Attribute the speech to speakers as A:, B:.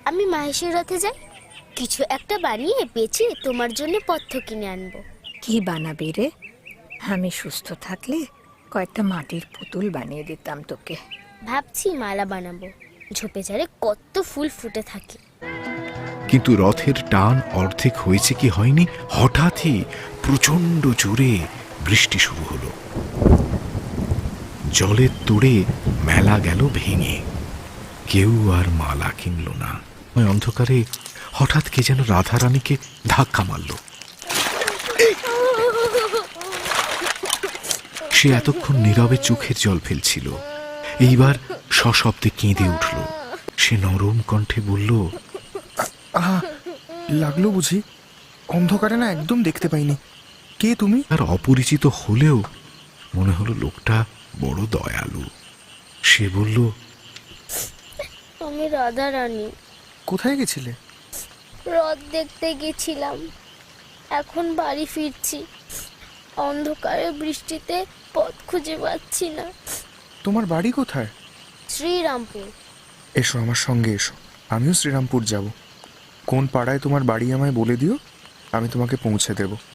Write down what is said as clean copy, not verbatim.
A: আমি মাহেশের রথে যাই, কিছু একটা বানিয়ে বেচে তোমার জন্য পথ্য কিনে আনবো।
B: কি বানাবি রে? আমি সুস্থ থাকলে কয়েকটা মাটির পুতুল বানিয়ে দিতাম তোকে।
A: ভাবছি মালা বানাবো, ঝোপে ঝাড়ে কত ফুল ফুটে থাকে।
C: কিন্তু রথের টান অর্ধেক হয়েছে কি হয়নি, হঠাৎই প্রচন্ড জোরে বৃষ্টি শুরু হলো। জলের তোড়ে মেলা গেল ভেঙে, কেউ আর মালা কিনল না। ওই অন্ধকারে হঠাৎ কে যেন রাধারানীকে ধাক্কা মারল। সে এতক্ষণ নীরবে চোখের জল ফেলছিল, এইবার সশব্দে কেঁদে উঠল। সে নরম কণ্ঠে বলল,
D: আহা, লাগলো বুঝি? অন্ধকারে না একদম দেখতে পাইনি। কে তুমি?
C: আর অপরিচিত হলেও মনে হলো লোকটা বড় দয়ালু। সে বলল,
A: আমি রাধা রানী,
D: কোথায় গেছিলে?
A: রথ দেখতে গেছিলাম, এখন বাড়ি ফিরছি। অন্ধকারে বৃষ্টিতে পথ খুঁজে পাচ্ছি না।
D: তোমার বাড়ি কোথায়?
A: শ্রীরামপুর।
D: এসো আমার সঙ্গে এসো, আমিও শ্রীরামপুর যাব। কোন পাড়ায় তোমার বাড়ি আমায় বলে দিও, আমি তোমাকে পৌঁছে দেব।